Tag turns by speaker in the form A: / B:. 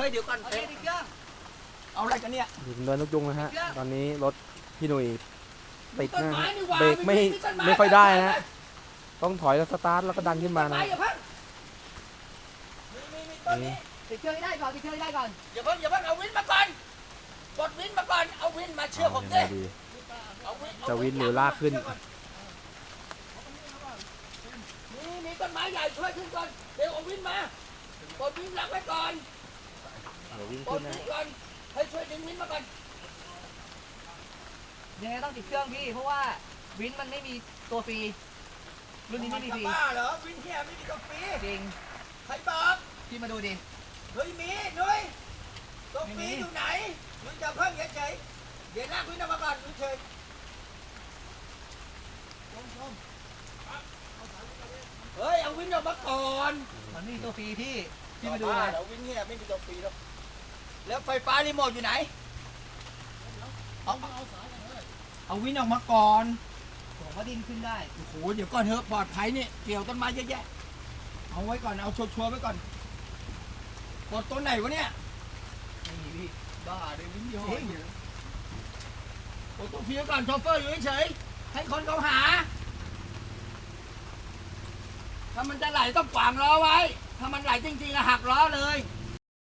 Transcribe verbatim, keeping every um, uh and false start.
A: ฮ้ยเดี๋ยวก่อน
B: เอาเองดิเครื่อง
A: เอาอะไรกันเนี่ย
C: อยู่เนินนกยุงนะฮะตอนนี้รถพี่หนุ่ยติด
A: ต้น
C: นะ
A: ไม้
C: ฮะ
A: นี่หว่า
C: เบรกไม่
A: ต้น
C: ไม่ค่อยได้นะฮะต้องถอยแล้วสตาร์ทแล้วก็ดันขึ้นมา
A: ต้น
C: นะ
A: ไม้อย่าเพิ่งมีมีมีต้นนี้
B: ติดเครื่องให้ได้ก่อนติดเครื่องให้ได้ก่อน
A: อย่าเพิ่งอย่าเพิ่งเอาวินมาก่อนกดวินมาก่อนเอาวินมาเชื่อผม
C: เอา
A: ดิ
C: ยังไงดี
A: เอาวิน
C: จะวินหรือลากขึ้น
A: มีมีต้นไม้ใหญ่ช่วยขึ้นก่อนเดี๋ยวเอาวินมากดวินรับไว้ก่อน
C: เดี๋ยววิ่ง
A: ก
C: ขึ้
A: ด
C: นนะ
A: วินก่อนให้ช่วยดึงวินมาก่อน
B: ยังไงต้องติดเครื่องพี่เพราะว่าวินมันไม่มีตัวฟรีรุ่นนี้ไม่มีฟรี
A: จะบ้าเหรอวินเฮียไม่มีกาแฟ
B: จริง
A: ใครบอก
B: พี่มาดูดิ
A: เฮ้ยมีนุ้ยกา
B: ไม่
A: แฟ
B: มี
A: อยู่ไหนนุ้ยจะเพิ่งเฉยๆเดี๋ยวลากวินออกมาก่อนนุ้ยเฉยเฮ้ยเอาวินออกมาก่อน
B: มันไม่มีตัวฟรีพี่พี่มาดู
A: บ้า
B: เลย
A: เหรอวินเฮียไม่มีกาแฟหรอกแล้วไฟฟ้ารีโมทอยู่ไหนเอาเอาวินออกมาก่อน
B: ผมว่าดินขึ้นได้
A: โอ้โหเดี๋ยวก่อนเถอะปลอดภัยนี่เกี่ยวต้นไม้เยอะแยะเอาไว้ก่อนเอาชัวร์ๆไว้ก่อนกดตัวไหนวะเนี่ย
B: ไม่มีพี่
A: บ้าเลยวินเดียวกดตัวฟีไว้ก่อนโชเฟอร์อยู่เฉยๆให้คนเขาหาถ้ามันจะไหลต้องขวางล้อไว้ถ้ามันไหลจริงๆอะหักล้อเลย
B: อ